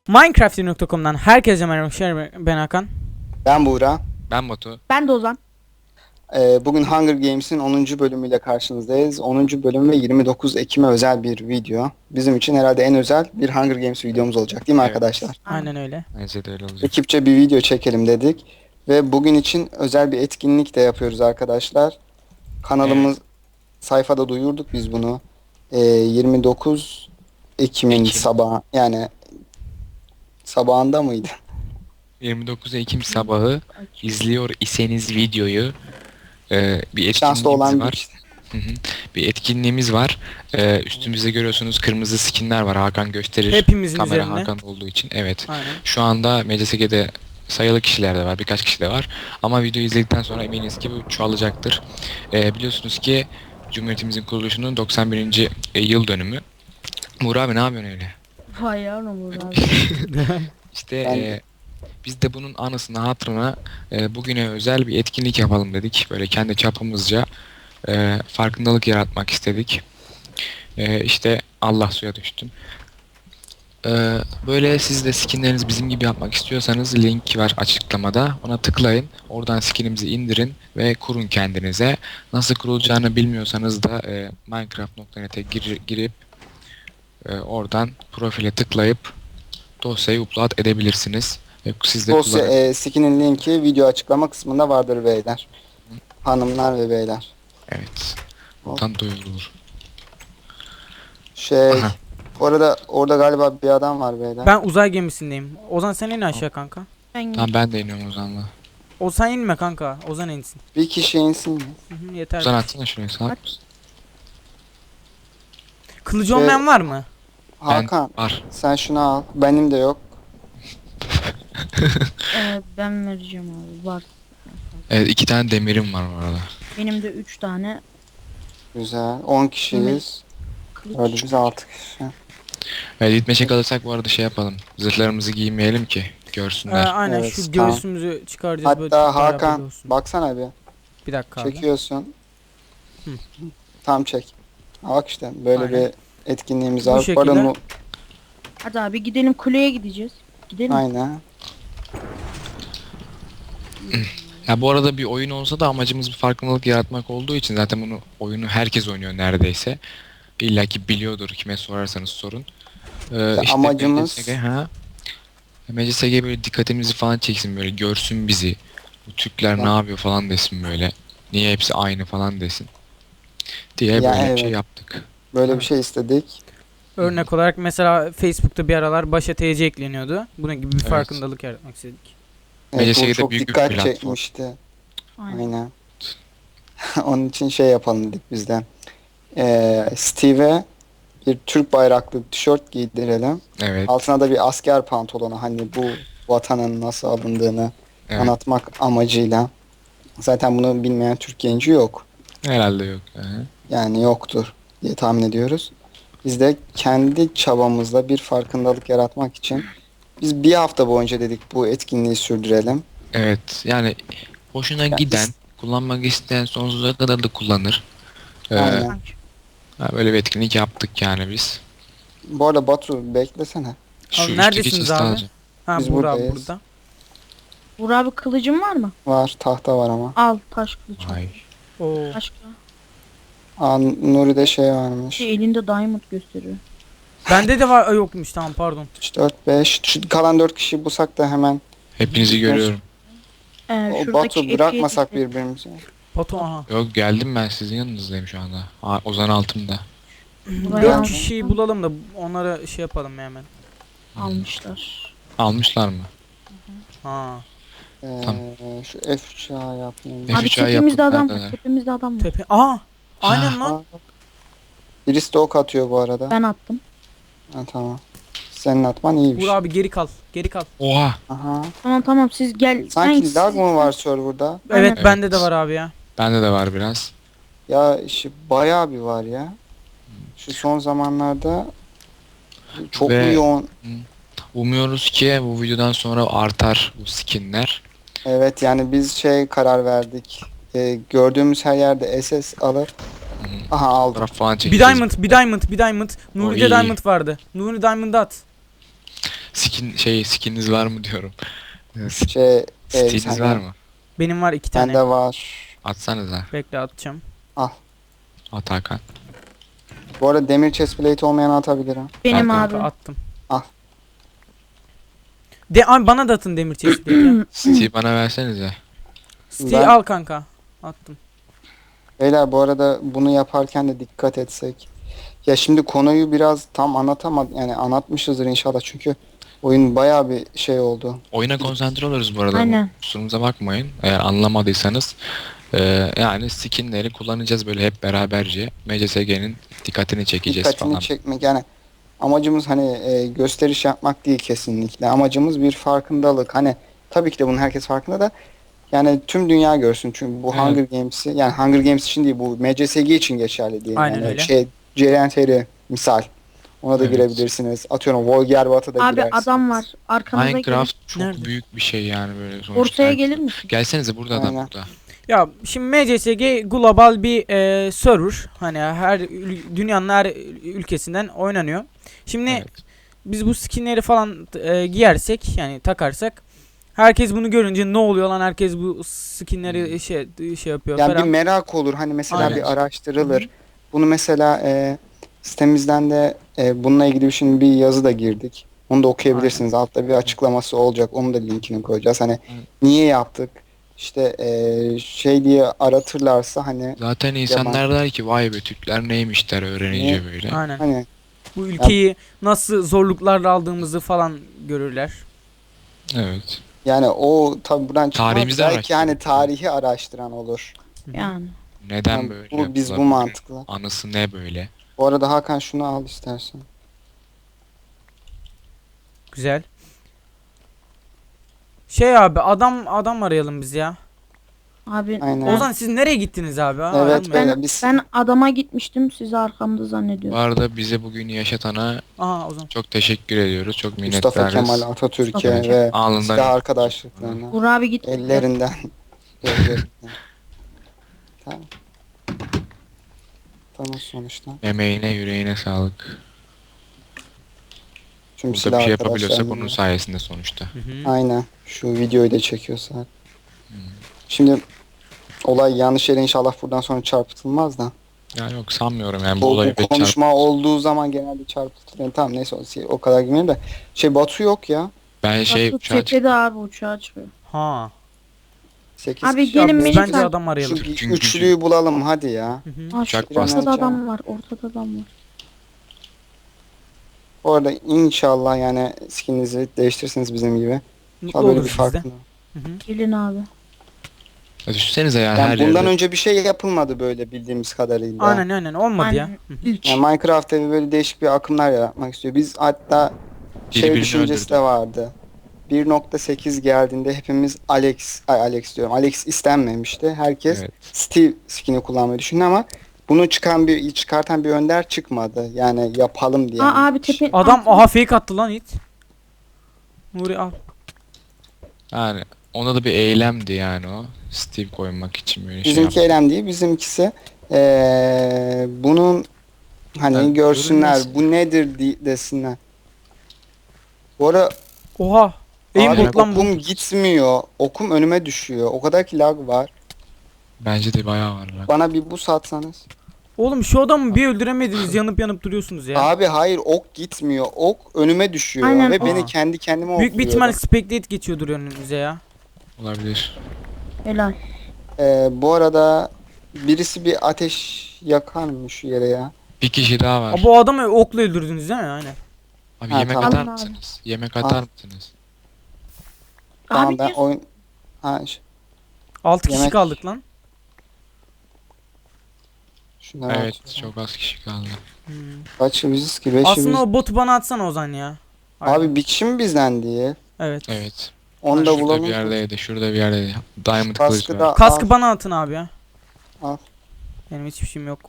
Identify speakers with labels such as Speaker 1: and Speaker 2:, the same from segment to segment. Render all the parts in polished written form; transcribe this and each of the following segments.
Speaker 1: Minecraft.com'dan herkese merhaba. Ben Hakan.
Speaker 2: Ben Buğra.
Speaker 3: Ben Batu.
Speaker 4: Ben de Ozan.
Speaker 2: Bugün Hunger Games'in 10. bölümüyle karşınızdayız. 10. bölüm ve 29 Ekim'e özel bir video. Bizim için herhalde en özel bir Hunger Games videomuz olacak değil mi
Speaker 3: Evet.
Speaker 2: arkadaşlar?
Speaker 1: Aynen öyle.
Speaker 3: Bence de öyle olacak.
Speaker 2: Ekipçe bir video çekelim dedik. Ve bugün için özel bir etkinlik de yapıyoruz arkadaşlar. Kanalımız sayfada duyurduk biz bunu. 29 Ekim'in
Speaker 3: Ekim.
Speaker 2: sabahı yani sabahında mıydı?
Speaker 3: 29 Ekim sabahı izliyor iseniz videoyu bir
Speaker 2: Şanslı olan
Speaker 3: etkinliğimiz
Speaker 2: bir
Speaker 3: var.
Speaker 2: işte.
Speaker 3: Hı hı. Bir etkinliğimiz var. Üstümüzde görüyorsunuz kırmızı skinler var. Hakan gösterir.
Speaker 1: Hepimizin
Speaker 3: Kamera
Speaker 1: üzerinde.
Speaker 3: Hakan olduğu için. Evet.
Speaker 1: Aynen.
Speaker 3: Şu anda MCSG'de sayılı kişiler de var. Birkaç kişi de var. Ama videoyu izledikten sonra eminiz ki bu çoğalacaktır. Biliyorsunuz ki Cumhuriyetimizin kuruluşunun 91. Yıl dönümü. Murat abi ne yapıyorsun öyle?
Speaker 4: Vay yavrum abi.
Speaker 3: İşte
Speaker 2: Ben-
Speaker 3: biz de bunun anısına hatırına bugüne özel bir etkinlik yapalım dedik. Böyle kendi çapımızca farkındalık yaratmak istedik. İşte Allah suya düştüm. Böyle siz de skinlerinizi bizim gibi yapmak istiyorsanız link var açıklamada. Ona tıklayın. Oradan skinimizi indirin ve kurun kendinize. Nasıl kurulacağını bilmiyorsanız da minecraft.net'e girip oradan profile tıklayıp dosyayı upload edebilirsiniz. Siz de
Speaker 2: Dosya skin'in linki video açıklama kısmında vardır beyler. Hanımlar ve beyler.
Speaker 3: Evet. Oradan duyurulur. Aha.
Speaker 2: Orada galiba bir adam var beyler.
Speaker 1: Ben uzay gemisindeyim. Ozan sen in aşağı kanka.
Speaker 4: Ben
Speaker 3: Tamam ben de iniyorum Ozan'la.
Speaker 1: Sen inme kanka. Ozan insin.
Speaker 2: Bir kişi insin.
Speaker 1: Yeter.
Speaker 3: Ozan atsana şuraya sağ ol.
Speaker 1: Kılıcı olmayan var mı?
Speaker 2: Hakan
Speaker 3: Var.
Speaker 2: sen şunu al. Benim de yok.
Speaker 4: ben vereceğim abi. Var.
Speaker 3: Evet 2 tane demirim var bu arada.
Speaker 4: Benim de 3 tane
Speaker 2: Güzel. 10 kişiyiz.
Speaker 4: kılıç.
Speaker 2: Öyle biz 6 kişi.
Speaker 3: Evet gitmeşe kalırsak bu arada şey yapalım. Zırhlarımızı giymeyelim ki görsünler.
Speaker 1: Aynen
Speaker 2: Evet,
Speaker 1: şu
Speaker 2: tamam.
Speaker 1: göğsümüzü çıkaracağız böyle.
Speaker 2: Hatta
Speaker 1: çok beraber
Speaker 2: Hakan
Speaker 1: olsun.
Speaker 2: baksana bir.
Speaker 1: Bir dakika abi.
Speaker 2: Çekiyorsun.
Speaker 1: Hı.
Speaker 2: Tam çek. Bak işte böyle
Speaker 1: Aynen.
Speaker 2: bir etkinliğimiz
Speaker 1: Bu
Speaker 2: var.
Speaker 1: şekilde.
Speaker 2: Pardon,
Speaker 4: Hadi abi gidelim kuleye gideceğiz. Gidelim.
Speaker 2: aynen.
Speaker 3: Ya bu arada bir oyun olsa da amacımız bir farkındalık yaratmak olduğu için zaten bunu oyunu herkes oynuyor neredeyse. İlla ki biliyordur kime sorarsanız sorun.
Speaker 2: Amacımız-
Speaker 3: MCSG, MCSG böyle dikkatimizi falan çeksin böyle görsün bizi. Bu Türkler ne yapıyor falan desin böyle. Niye hepsi aynı falan desin. Diye
Speaker 2: Ya
Speaker 3: böyle bir
Speaker 2: evet.
Speaker 3: şey yaptık.
Speaker 2: Böyle bir şey istedik.
Speaker 1: Örnek olarak mesela Facebook'ta bir aralar başa TC ekleniyordu. Bunun gibi bir
Speaker 3: Evet.
Speaker 1: farkındalık yaratmak istedik.
Speaker 2: Evet,
Speaker 3: MCSG'de
Speaker 2: bu çok
Speaker 3: büyük bir
Speaker 2: dikkat
Speaker 3: platform.
Speaker 2: çekmişti.
Speaker 4: Aynen.
Speaker 2: Aynen. Onun için şey yapalım dedik biz de. Steve'e bir Türk bayraklı tişört giydirelim.
Speaker 3: Evet.
Speaker 2: Altına da bir asker pantolonu, hani bu vatanın nasıl alındığını
Speaker 3: Evet.
Speaker 2: anlatmak amacıyla. Zaten bunu bilmeyen Türk genci yok.
Speaker 3: Herhalde yok. Aha.
Speaker 2: Yani yoktur diye tahmin ediyoruz. Biz de kendi çabamızla bir farkındalık yaratmak için biz bir hafta boyunca dedik bu etkinliği sürdürelim.
Speaker 3: Evet yani hoşuna giden, kullanmak isteyen sonsuza kadar da kullanır.
Speaker 2: Aynen.
Speaker 3: Böyle bir etkinlik yaptık yani biz.
Speaker 2: Bu arada Batu beklesene.
Speaker 3: Şu
Speaker 1: Abi
Speaker 3: üstteki
Speaker 1: neredesiniz
Speaker 3: chest'i
Speaker 1: abi?
Speaker 3: alacağım.
Speaker 1: Ha
Speaker 2: Biz
Speaker 1: burada abi
Speaker 2: buradayız.
Speaker 1: burada.
Speaker 4: Buğra abi kılıcın var mı?
Speaker 2: Var, tahta var ama.
Speaker 4: Al taş kılıç. al.
Speaker 3: Ay.
Speaker 1: Oo.
Speaker 4: Başka.
Speaker 2: Nuri'de şey varmış.
Speaker 4: Elinde diamond gösteriyor.
Speaker 1: Bende de var. Yokmuş tamam pardon.
Speaker 2: 3, 4, 5. Şu kalan 4 kişi bulsak da hemen.
Speaker 3: Hepinizi görüyorum.
Speaker 2: O
Speaker 4: Şuradaki
Speaker 2: Batu bırakmasak
Speaker 4: F7'de.
Speaker 2: birbirimizi.
Speaker 1: Batu aha.
Speaker 3: Yok geldim ben sizin yanınızdayım şu anda. Ozan altımda.
Speaker 4: Buraya
Speaker 1: 4
Speaker 4: aldım.
Speaker 1: kişiyi bulalım da onlara şey yapalım ya hemen.
Speaker 4: Almışlar.
Speaker 3: Almışlar mı?
Speaker 1: Ha.
Speaker 3: Tamam.
Speaker 2: Şu F3'a yapmayayım.
Speaker 3: F3
Speaker 4: Abi
Speaker 3: ay
Speaker 4: tepemizde
Speaker 3: yapın,
Speaker 4: adam
Speaker 3: neredeler?
Speaker 4: var. Tepemizde adam var.
Speaker 1: Tepe. Aa. Aynen lan.
Speaker 2: Aa, birisi de ok atıyor bu arada.
Speaker 4: Ben attım.
Speaker 2: Ha, tamam. Senin atman iyiymiş.
Speaker 1: Vur abi geri kal. Geri kal.
Speaker 3: Oha!
Speaker 2: Aha.
Speaker 4: Tamam siz gel.
Speaker 2: Sanki lag mı var serverda?
Speaker 1: Evet,
Speaker 4: Aynen.
Speaker 1: bende de var abi ya.
Speaker 3: Bende de var biraz.
Speaker 2: Ya işi bayağı bir var ya. Şu son zamanlarda çok
Speaker 3: Ve-
Speaker 2: yoğun.
Speaker 3: Umuyoruz ki bu videodan sonra artar bu skinler.
Speaker 2: Evet, yani biz karar verdik. Gördüğümüz her yerde SS alır.
Speaker 3: Hı.
Speaker 2: Aha, aldım.
Speaker 3: Fotoğraf falan
Speaker 1: Bir
Speaker 3: çekeceğiz.
Speaker 1: diamond, bir diamond, bir diamond. Nuri'de
Speaker 3: iyi.
Speaker 1: diamond vardı. Nuri diamond'ı at.
Speaker 3: Skininiz var mı diyorum.
Speaker 2: Şey,
Speaker 3: Steam'iniz
Speaker 2: sen-
Speaker 3: var mı?
Speaker 1: Benim var 2 tane.
Speaker 2: Bende var.
Speaker 3: Atsanıza.
Speaker 1: Bekle atacağım.
Speaker 3: At Hakan.
Speaker 2: Bu arada demir chestplate olmayan atabilirim.
Speaker 4: Benim
Speaker 3: Kanka,
Speaker 4: abi.
Speaker 1: Kanka attım.
Speaker 2: Al.
Speaker 1: Abi bana da atın demir chestplate'i.
Speaker 3: Steve bana versenize.
Speaker 1: Steve
Speaker 2: Ben-
Speaker 1: al kanka. Attım.
Speaker 2: Beyler bu arada bunu yaparken de dikkat etsek. Ya şimdi konuyu biraz tam anlatamadım. Yani anlatmışızdır inşallah çünkü oyun bayağı bir şey oldu.
Speaker 3: Oyuna konsantre oluruz bu arada.
Speaker 4: Aynen.
Speaker 3: Kusurumuza bakmayın. Eğer anlamadıysanız yani skinleri kullanacağız böyle hep beraberce. MCSG'nin dikkatini çekeceğiz
Speaker 2: Dikkatini
Speaker 3: falan.
Speaker 2: çekmek yani amacımız hani gösteriş yapmak değil kesinlikle. Amacımız bir farkındalık. Hani tabii ki de bunun herkes farkında da yani tüm dünya görsün çünkü bu
Speaker 3: Evet.
Speaker 2: Hunger Games'i yani Hunger Games için değil bu MCSG için geçerli diye.
Speaker 1: Aynen
Speaker 2: yani
Speaker 1: öyle.
Speaker 2: CRNTR misal. Ona da
Speaker 3: Evet.
Speaker 2: girebilirsiniz. Atıyorum Volgerbat'a da
Speaker 4: Abi
Speaker 2: girersiniz.
Speaker 4: adam var. Arkamıza gelin.
Speaker 3: Minecraft çok
Speaker 1: Nerede?
Speaker 3: büyük bir şey yani böyle sonuçta.
Speaker 4: Ortaya gelir misin?
Speaker 3: Gelsenize burada adam
Speaker 2: Aynen.
Speaker 3: burada.
Speaker 1: Ya şimdi MCSG global bir server. Hani her dünyanın her ülkesinden oynanıyor. Şimdi
Speaker 3: Evet.
Speaker 1: biz bu skinleri falan giyersek yani takarsak herkes bunu görünce ne oluyor lan, herkes bu skinleri şey yapıyor
Speaker 2: Yani bir
Speaker 1: falan.
Speaker 2: merak olur. Hani mesela
Speaker 1: Aynen.
Speaker 2: bir araştırılır. Bunu mesela sitemizden de bununla ilgili şimdi bir yazı da girdik. Onu da okuyabilirsiniz. Altta bir açıklaması olacak. Onu da linkini koyacağız. Hani niye yaptık? İşte şey diye aratırlarsa hani
Speaker 3: Zaten insanlar der ki vay be Türkler neymiş der öğrenince böyle.
Speaker 1: Aynen.
Speaker 2: hani
Speaker 1: Bu ülkeyi nasıl zorluklarla aldığımızı falan görürler.
Speaker 3: Evet.
Speaker 2: yani o tabi buradan çıkmaz.
Speaker 3: Tarihimizi
Speaker 2: Belki
Speaker 3: araştırın.
Speaker 2: hani tarihi araştıran olur.
Speaker 4: Yani.
Speaker 3: Neden
Speaker 2: Yani
Speaker 3: böyle
Speaker 2: biz bu
Speaker 3: yapılabilir?
Speaker 2: mantıkla.
Speaker 3: Anısı ne böyle?
Speaker 2: Bu arada Hakan şunu al istersen.
Speaker 1: Güzel. Şey abi adam arayalım biz ya.
Speaker 4: Abi
Speaker 2: Aynen.
Speaker 1: Ozan siz nereye gittiniz abi? Ha,
Speaker 2: Evet,
Speaker 1: aranmayın.
Speaker 2: ben-
Speaker 4: ben,
Speaker 2: biz-
Speaker 4: ben adama gitmiştim. Sizi arkamda
Speaker 3: Bu
Speaker 4: zannediyorum.
Speaker 3: arada bize bugün yaşatana
Speaker 1: Aha Ozan.
Speaker 3: çok teşekkür ediyoruz. Çok
Speaker 2: Mustafa
Speaker 3: minnettarız.
Speaker 2: Kemal Atatürk'e
Speaker 4: Mustafa Kemal.
Speaker 2: ve
Speaker 3: Alnından
Speaker 2: silah arkadaşlıklarına.
Speaker 4: Uğur abi git.
Speaker 2: Ellerinden. Gözlerinden. Tamam. Tamam sonuçta.
Speaker 3: emeğine yüreğine sağlık.
Speaker 2: Çünkü
Speaker 3: Burada
Speaker 2: silah
Speaker 3: bir şey yapabiliyorsak
Speaker 2: arkadaşlarımla-
Speaker 3: onun sayesinde sonuçta.
Speaker 1: Hı hı.
Speaker 2: Aynen. Şu videoyu da çekiyorsak. Şimdi olay yanlış yere inşallah buradan sonra çarpıtılmaz da.
Speaker 3: Ya yok sanmıyorum yani bu
Speaker 2: Bu
Speaker 3: olayı bir
Speaker 2: konuşma olduğu zaman genelde çarpıtılır. Yani tamam neyse o kadar girmeyeyim de. Batu yok ya.
Speaker 3: Ben
Speaker 4: Batu tepede abi uçağa çıkıyor.
Speaker 1: Ha.
Speaker 2: 8
Speaker 4: Abi
Speaker 2: kişi.
Speaker 1: Ya
Speaker 4: gelin
Speaker 1: biz
Speaker 4: beni
Speaker 1: bence
Speaker 4: takip.
Speaker 1: adam arayalım.
Speaker 2: Şu bir
Speaker 3: Çünkü-
Speaker 2: üçlüyü bulalım hadi ya.
Speaker 1: Hı hı.
Speaker 4: Ha,
Speaker 3: Uçak
Speaker 4: şu ortada
Speaker 2: bastı.
Speaker 4: adam var. Ortada adam var.
Speaker 2: Bu arada inşallah yani skininizi değiştirirsiniz bizim gibi.
Speaker 1: Mutlu
Speaker 2: Tabii böyle bir
Speaker 1: oluruz biz de.
Speaker 2: farklı.
Speaker 1: Hı hı.
Speaker 4: Gelin abi.
Speaker 3: Ya düşünsenize ya her
Speaker 2: Yani bundan
Speaker 3: yerde.
Speaker 2: önce bir şey yapılmadı böyle bildiğimiz kadarıyla.
Speaker 1: Aynen olmadı ya.
Speaker 4: Aynen.
Speaker 1: Hı hı.
Speaker 4: İlk.
Speaker 2: Yani Minecraft'ta böyle değişik bir akımlar yaratmak istiyor. Biz hatta
Speaker 3: Birini
Speaker 2: düşüncesi
Speaker 3: öldürdü.
Speaker 2: de vardı. 1.8 geldiğinde hepimiz Alex diyorum. Alex istenmemişti. Herkes
Speaker 3: Evet.
Speaker 2: Steve skin'i kullanmayı düşündü ama bunu çıkartan bir önder çıkmadı. Yani yapalım diye.
Speaker 4: Aa abi tepe.
Speaker 1: Adam
Speaker 4: Aa,
Speaker 1: aha fake attı lan it. Nuri al.
Speaker 3: Yani ona da bir eylemdi yani o. Steve koymak için böyle
Speaker 2: Bizimki
Speaker 3: şey yaptı.
Speaker 2: eylem değil. Bizimkisi bunun hani
Speaker 3: Yani
Speaker 2: görsünler
Speaker 3: görünmez.
Speaker 2: bu nedir desinler. Bu ara
Speaker 1: Oha.
Speaker 2: abi
Speaker 1: Aimbot lan bu.
Speaker 2: okum gitmiyor. Okum önüme düşüyor. O kadar ki lag var.
Speaker 3: Bence de bayağı var lan.
Speaker 2: Bana bir boost atsanız.
Speaker 1: Oğlum şu adamı bir öldüremediniz, yanıp duruyorsunuz ya.
Speaker 2: Abi hayır ok gitmiyor. Ok önüme düşüyor
Speaker 4: Aynen.
Speaker 2: ve beni
Speaker 1: Aa.
Speaker 2: kendi kendime
Speaker 1: Büyük bir
Speaker 2: okluyor.
Speaker 1: ihtimal spectate geçiyordur önünüze ya.
Speaker 3: Olabilir.
Speaker 4: helal.
Speaker 2: Bu arada birisi bir ateş yakar mı şu yere ya?
Speaker 3: Bir kişi daha var.
Speaker 1: Aa, bu adamı okla öldürdünüz değil mi? Aynen.
Speaker 3: Abi
Speaker 2: Ha,
Speaker 3: yemek
Speaker 2: tamam.
Speaker 3: atar
Speaker 4: Alın abi.
Speaker 3: mısınız? Yemek atar mısınız?
Speaker 2: Tamam
Speaker 4: Abi
Speaker 2: ben
Speaker 4: niye-
Speaker 2: oyun... Ha,
Speaker 1: 6 kişi
Speaker 2: Yemek-
Speaker 1: kaldık lan.
Speaker 2: şunları
Speaker 3: Evet
Speaker 2: atıyorum.
Speaker 3: çok az kişi kaldı.
Speaker 1: Hmm.
Speaker 2: Kaç biziz ki? 5'i
Speaker 1: Aslında
Speaker 2: biz.
Speaker 1: o botu bana atsana Ozan ya. Aynen.
Speaker 2: Abi bir kişi mi bizden diye?
Speaker 1: Evet.
Speaker 3: Evet.
Speaker 2: Onu da
Speaker 3: Şurada
Speaker 2: bulalım.
Speaker 3: bir yerdeydi. Şurada bir yerdeydi. Diamond
Speaker 2: Kaskı
Speaker 3: kılıç
Speaker 2: da
Speaker 3: var.
Speaker 1: Kaskı
Speaker 2: al.
Speaker 1: bana atın abi ya.
Speaker 2: Al.
Speaker 1: Benim hiçbir şeyim yok.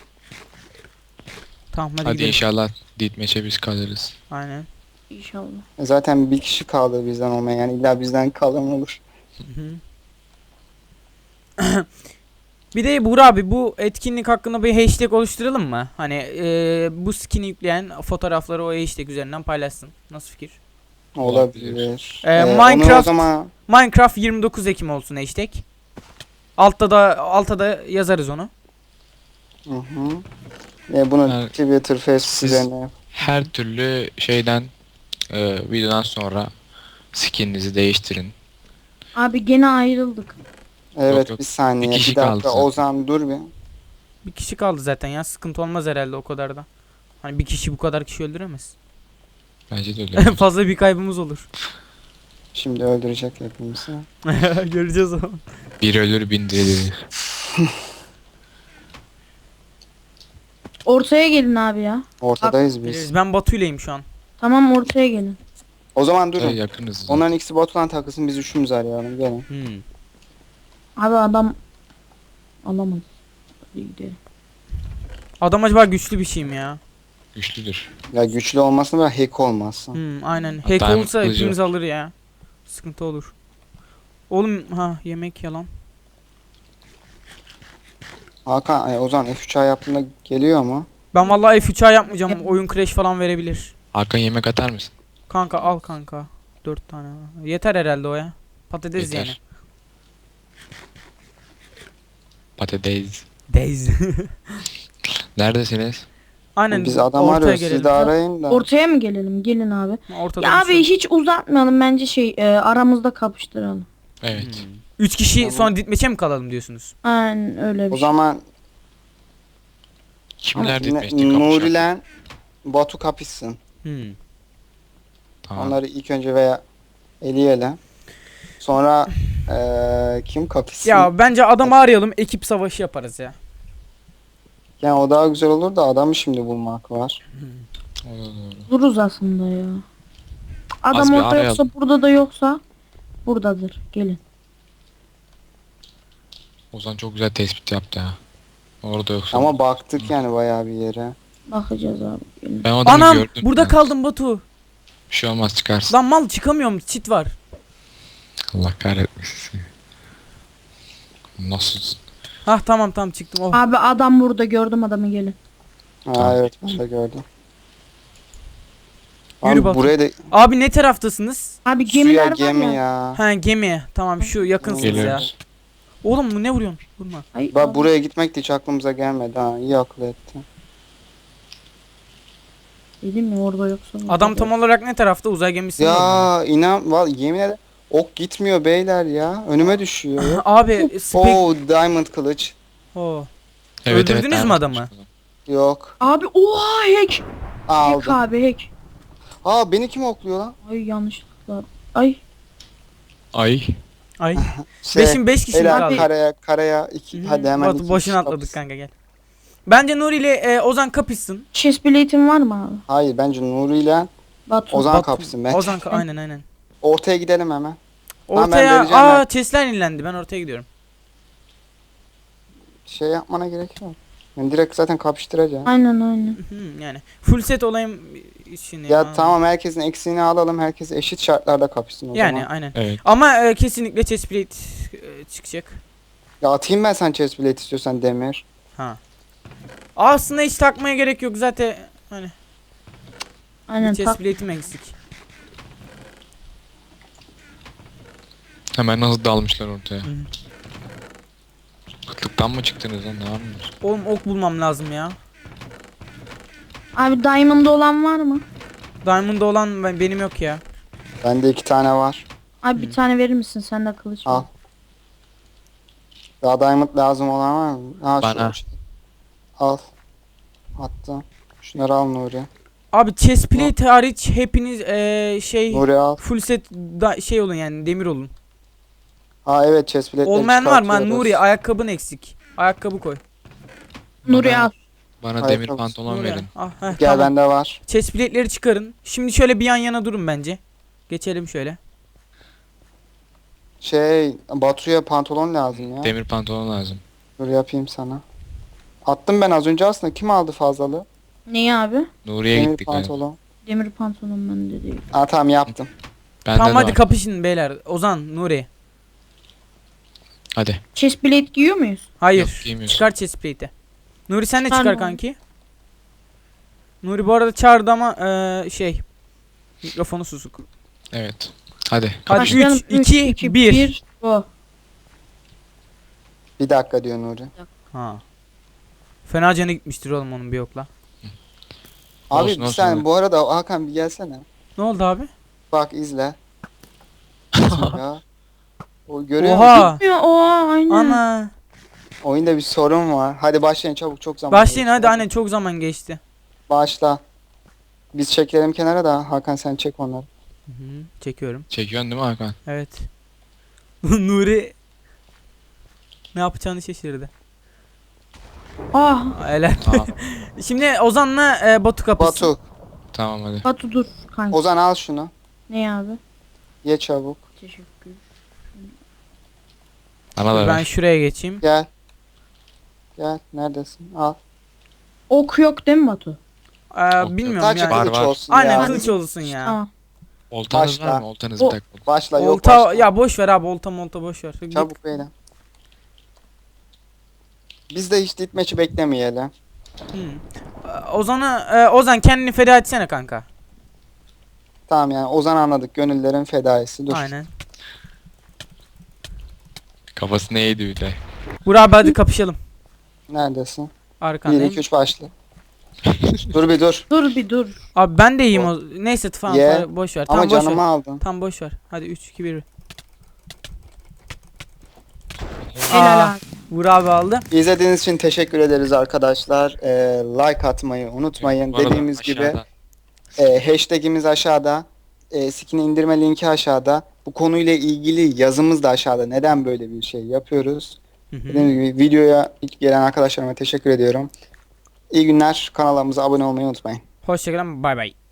Speaker 1: Tamam hadi,
Speaker 3: Hadi
Speaker 1: gidelim.
Speaker 3: inşallah Deathmatch'e biz kalırız.
Speaker 1: Aynen.
Speaker 4: İnşallah.
Speaker 2: Zaten bir kişi kaldı bizden olmayan. Yani illa bizden kalan olur.
Speaker 1: Hı hı. Bir de Buğra abi bu etkinlik hakkında bir hashtag oluşturalım mı? Hani bu skin'i yükleyen fotoğrafları o hashtag üzerinden paylaşsın. Nasıl fikir?
Speaker 2: Olabilir. Onu o
Speaker 1: Minecraft
Speaker 2: zaman
Speaker 1: Minecraft 29 Ekim olsun hashtag. Altta da yazarız onu.
Speaker 2: hı hı. Bunu
Speaker 3: Yani
Speaker 2: Twitter, Facebook
Speaker 3: siz-
Speaker 2: üzerine
Speaker 3: Her türlü şeyden videodan sonra skininizi değiştirin.
Speaker 4: Abi gene ayrıldık.
Speaker 2: Evet,
Speaker 3: yok.
Speaker 2: bir saniye.
Speaker 3: Bir kişi
Speaker 2: Bir dakika
Speaker 3: kaldı zaten.
Speaker 2: Ozan dur bir.
Speaker 1: Bir kişi kaldı zaten ya. Sıkıntı olmaz herhalde o kadar da. Hani bir kişi bu kadar kişi öldüremez.
Speaker 3: Bence de öyle.
Speaker 1: Fazla bir kaybımız olur.
Speaker 2: Şimdi öldürecek hepimizi.
Speaker 1: Göreceğiz o.
Speaker 3: Bir ölür bin dirilir.
Speaker 4: Ortaya gelin abi ya.
Speaker 2: Ortadayız biz.
Speaker 1: Biliriz. Ben Batu'yleyim şu an.
Speaker 4: Tamam ortaya gelin.
Speaker 2: O zaman durun.
Speaker 3: Yakınız.
Speaker 2: Onların ikisi Batu'dan takılsın, biz üçümüz arayalım. Gelin.
Speaker 4: Abi adam alamaz. Hadi gidelim.
Speaker 1: Adam acaba güçlü bir şey mi ya?
Speaker 3: Güçlüdür.
Speaker 2: Ya güçlü olmasın ve hack olmasın.
Speaker 1: Aynen. Hack
Speaker 3: Diamond
Speaker 1: olsa
Speaker 3: kılıcı
Speaker 1: hepimiz alır ya. Sıkıntı olur. Oğlum yemek yalan.
Speaker 2: Hakan, Ozan F3A yaptığında geliyor mu?
Speaker 1: Ben vallahi F3A yapmayacağım. Oyun crash falan verebilir.
Speaker 3: Hakan yemek atar mısın?
Speaker 1: Kanka al kanka. 4 tane. Yeter herhalde o ya. Patates
Speaker 3: Yeter.
Speaker 1: yani.
Speaker 3: Patates.
Speaker 1: Days.
Speaker 3: Neredesiniz?
Speaker 1: Aynen.
Speaker 2: Biz adam
Speaker 1: ortaya
Speaker 2: arıyoruz.
Speaker 1: gelelim.
Speaker 2: Siz de arayın da.
Speaker 4: Ortaya mı gelelim? Gelin abi.
Speaker 1: Ortada
Speaker 4: Ya
Speaker 1: bir
Speaker 4: abi
Speaker 1: şey.
Speaker 4: hiç uzatmayalım bence aramızda kapıştıralım.
Speaker 3: Evet.
Speaker 1: 3 kişi
Speaker 2: Tamam.
Speaker 1: sonra ditmeçe mi kalalım diyorsunuz?
Speaker 4: Aynen öyle bir
Speaker 2: O
Speaker 4: şey.
Speaker 2: zaman
Speaker 3: Kimler
Speaker 2: Ne-
Speaker 3: ditmeşte kapışacak?
Speaker 2: Nuri'yle Batu kapışsın.
Speaker 3: Tamam.
Speaker 2: Onları ilk önce veya eleyelim. Sonra kim kapışsın?
Speaker 1: Ya bence adamı arayalım. Ekip savaşı yaparız ya.
Speaker 2: Yani o daha güzel olur da adamı şimdi bulmak var.
Speaker 3: Doğru.
Speaker 4: Dururuz aslında ya.
Speaker 3: Az
Speaker 4: Adam
Speaker 3: bir
Speaker 4: orada
Speaker 3: arayalım.
Speaker 4: yoksa burada da yoksa buradadır. Gelin.
Speaker 3: Ozan çok güzel tespit yaptı ha. Orada yoksa.
Speaker 2: Ama baktık yani bayağı bir yere.
Speaker 4: Bakacağız abi. Gelin.
Speaker 3: Ben o adamı
Speaker 1: Anam
Speaker 3: gördüm.
Speaker 1: burada
Speaker 3: ya.
Speaker 1: kaldım Batu.
Speaker 3: Bir şey olmaz çıkarsın.
Speaker 1: Lan mal çıkamıyorum. Çit var.
Speaker 3: Allah kahretmesin. Nasıl?
Speaker 1: Tamam çıktım. Oh.
Speaker 4: Abi adam burada, gördüm adamı, gelin.
Speaker 2: Ha evet, ben de gördüm.
Speaker 1: Yürü
Speaker 2: Abi
Speaker 1: Batu.
Speaker 2: buraya da
Speaker 1: Abi ne taraftasınız?
Speaker 4: Abi
Speaker 2: suya
Speaker 4: gemiler
Speaker 2: gemi
Speaker 4: var ya.
Speaker 2: ya.
Speaker 1: Ha gemi. Tamam şu yakınsınız ya.
Speaker 3: Geliyoruz.
Speaker 1: Oğlum bu ne vuruyorsun? Vurma.
Speaker 4: Ay,
Speaker 2: Bak
Speaker 4: abi.
Speaker 2: buraya gitmek de hiç aklımıza gelmedi ha. İyi akıl etti.
Speaker 4: Dedim mi orada yoksa burada
Speaker 1: Adam
Speaker 4: da
Speaker 1: tam
Speaker 4: yok.
Speaker 1: olarak ne tarafta? Uzay gemisi mi var?
Speaker 2: Ya inan yemin ederim ok gitmiyor beyler ya. Önüme düşüyor.
Speaker 1: Abi spek...
Speaker 2: Diamond kılıç.
Speaker 1: Oo.
Speaker 3: Evet,
Speaker 1: Öldürdünüz
Speaker 3: evet,
Speaker 1: mü adamı?
Speaker 2: Yok.
Speaker 4: Abi oha hack. Hack
Speaker 2: Aldım.
Speaker 4: abi hack.
Speaker 2: Aa beni kim okluyor lan?
Speaker 4: Ay yanlışlıkla. Ay.
Speaker 3: Ay.
Speaker 1: Ay.
Speaker 2: Şey,
Speaker 1: 5 kişi mi
Speaker 2: helal
Speaker 1: kaldı?
Speaker 2: karaya iki.
Speaker 1: Hı hı.
Speaker 2: Hadi hemen
Speaker 1: Batu
Speaker 2: iki
Speaker 1: boşuna
Speaker 2: kişi
Speaker 1: atladık
Speaker 2: kapışsın.
Speaker 1: kanka gel. Bence Nuri ile Ozan kapışsın.
Speaker 4: Chestplate'in var mı abi?
Speaker 2: Hayır bence Nuri ile
Speaker 4: Batu.
Speaker 2: Ozan
Speaker 1: Batu-
Speaker 2: kapışsın ben.
Speaker 1: Ozan aynen.
Speaker 2: Ortaya gidelim hemen. Tamam, ben
Speaker 1: Ortaya
Speaker 2: vereceğim ben.
Speaker 1: chestler yenilendi. Ben ortaya gidiyorum.
Speaker 2: Şey yapmana gerek yok. Yani direkt zaten kapıştıracağım.
Speaker 4: Aynen.
Speaker 1: Yani full set olayım için
Speaker 2: Ya tamam, herkesin eksiğini alalım. Herkes eşit şartlarda kapışsın o
Speaker 1: Yani
Speaker 2: zaman.
Speaker 1: aynen.
Speaker 3: Evet.
Speaker 1: Ama kesinlikle chestplate çıkacak.
Speaker 2: Ya atayım ben sen chestplate istiyorsan demir.
Speaker 1: Ha. Aslında hiç takmaya gerek yok zaten. Hani
Speaker 4: Aynen tak.
Speaker 1: chestplate'im eksik.
Speaker 3: Hemen nasıl dalmışlar ortaya.
Speaker 1: Hı.
Speaker 3: Kıtlıktan mı çıktınız lan? Ne yapıyorsunuz?
Speaker 1: Oğlum ok bulmam lazım ya.
Speaker 4: Abi diamond olan var mı?
Speaker 1: Diamond'da olan benim yok ya.
Speaker 2: Bende 2 tane var.
Speaker 4: Abi bir tane verir misin? Sende kılıç var.
Speaker 2: Al. Daha diamond lazım olan var mı? Ha,
Speaker 3: Bana.
Speaker 2: şu. Al. Attım. Şunları al Nuri.
Speaker 1: Abi chestplate hariç hepiniz şey
Speaker 2: Nuri al.
Speaker 1: full set şey olun yani demir olun.
Speaker 2: Ha evet, chestplate'leri
Speaker 1: Olmayan var mı? Ha,
Speaker 2: çıkartıyoruz.
Speaker 1: Nuri ayakkabın eksik. Ayakkabı koy.
Speaker 4: Nuri
Speaker 3: Bana-
Speaker 4: al.
Speaker 3: Bana
Speaker 2: Hayır,
Speaker 3: demir
Speaker 2: tabii.
Speaker 3: pantolon
Speaker 1: Nuri.
Speaker 3: verin.
Speaker 1: Heh,
Speaker 2: Gel
Speaker 1: tamam.
Speaker 2: bende var.
Speaker 1: Chestplate'leri çıkarın. Şimdi şöyle bir yan yana durun bence. Geçelim şöyle.
Speaker 2: Batu'ya pantolon lazım ya.
Speaker 3: Demir pantolon lazım.
Speaker 2: Dur yapayım sana. Attım ben az önce aslında. Kim aldı fazlalığı?
Speaker 4: Neyi abi?
Speaker 3: Nuri'ye
Speaker 2: Demir
Speaker 3: gittik. Yani.
Speaker 2: pantolon.
Speaker 4: Demir pantolon bende değil.
Speaker 2: Ha tamam, yaptım.
Speaker 3: Bende
Speaker 1: Tamam
Speaker 3: de
Speaker 1: hadi
Speaker 3: var.
Speaker 1: kapışın beyler. Ozan, Nuri.
Speaker 3: Hadi.
Speaker 4: Chestplate giyiyor muyuz?
Speaker 1: Hayır.
Speaker 3: Yok, giymiyorsun.
Speaker 1: Çıkar chestplate'i. Nuri sen de
Speaker 4: Çıkar
Speaker 1: çıkar
Speaker 4: mı?
Speaker 1: kanki. Nuri bu arada çağırdı ama mikrofonu susuk.
Speaker 3: Evet. Hadi.
Speaker 1: Hadi
Speaker 4: Başlayalım.
Speaker 1: 3, 2, 1.
Speaker 4: Go.
Speaker 2: Bir dakika diyor Nuri.
Speaker 1: Ha. Fena canı gitmiştir oğlum onun bir yokla.
Speaker 2: Abi
Speaker 3: Olsun,
Speaker 2: bir
Speaker 3: olsun
Speaker 2: saniye
Speaker 3: abi.
Speaker 2: bu arada Hakan bir gelsene.
Speaker 1: Ne oldu abi?
Speaker 2: Bak izle. Ya. O görüyor musun?
Speaker 1: Oha.
Speaker 4: Ya, oha aynen.
Speaker 1: Ana.
Speaker 2: Oyunda bir sorun var. Hadi başlayın çabuk, çok zaman
Speaker 1: Başlayın
Speaker 2: geçti.
Speaker 1: hadi anne, çok zaman geçti.
Speaker 2: Başla. Biz çekelim kenara da Hakan sen çek onları.
Speaker 1: Hı hı, çekiyorum.
Speaker 3: Çekiyorsun değil mi Hakan?
Speaker 1: Evet. Nuri ne yapacağını şaşırdı.
Speaker 4: Ah
Speaker 1: Helal.
Speaker 3: Tamam.
Speaker 1: Şimdi Ozan'la Batu kapışsın.
Speaker 2: Batu,
Speaker 3: Tamam hadi.
Speaker 4: Batu dur kanka.
Speaker 2: Ozan al şunu.
Speaker 4: Ne abi?
Speaker 2: Ye çabuk.
Speaker 4: Teşekkür.
Speaker 3: Bana da
Speaker 1: Ben
Speaker 3: ver.
Speaker 1: şuraya geçeyim.
Speaker 2: Gel. Gel. Neredesin? Al.
Speaker 4: Ok yok değil mi Batu?
Speaker 1: Bilmiyorum
Speaker 2: Sadece
Speaker 1: yani.
Speaker 3: Var,
Speaker 2: kılıç
Speaker 3: var.
Speaker 2: olsun
Speaker 1: Aynen
Speaker 2: ya.
Speaker 1: kılıç olsun ya.
Speaker 4: Tamam.
Speaker 3: Oltanız
Speaker 2: Başla.
Speaker 3: var mı? Oltanız
Speaker 4: O-
Speaker 3: bir dakika.
Speaker 2: Başla yok
Speaker 1: Olta
Speaker 2: başla.
Speaker 1: ya boş ver abi, olta boş ver.
Speaker 2: Çabuk beyler. Biz de hiç ditmeçi beklemeyelim.
Speaker 1: Ozan kendini feda etsene kanka.
Speaker 2: Tamam yani Ozan anladık. Gönüllerin fedaisi. Dur.
Speaker 1: Aynen.
Speaker 3: Kafası neydi bir de.
Speaker 1: Burak abi hadi kapışalım.
Speaker 2: Neredesin? 1
Speaker 1: Arkandayım.
Speaker 2: 2 3 başla. Dur bir dur.
Speaker 4: Dur bir dur.
Speaker 1: Abi ben de iyiyim o. Neyse tamam
Speaker 2: Ye.
Speaker 1: boş ver.
Speaker 2: Ama
Speaker 1: Tamam boş ver.
Speaker 2: canımı aldın.
Speaker 1: Tam boş ver. Hadi 3 2 1.
Speaker 4: Helal abi.
Speaker 1: Burak abi aldı.
Speaker 2: İzlediğiniz için teşekkür ederiz arkadaşlar. Like atmayı unutmayın.
Speaker 3: Bu arada
Speaker 2: Dediğimiz gibi
Speaker 3: aşağıda-
Speaker 2: hashtagimiz aşağıda. Skin indirme linki aşağıda. Bu konuyla ilgili yazımız da aşağıda. Neden böyle bir şey yapıyoruz?
Speaker 1: Hı hı.
Speaker 2: Dediğim gibi videoya ilk gelen arkadaşlarıma teşekkür ediyorum. İyi günler. Kanalımıza abone olmayı unutmayın.
Speaker 1: Hoşçakalın. Bay bay.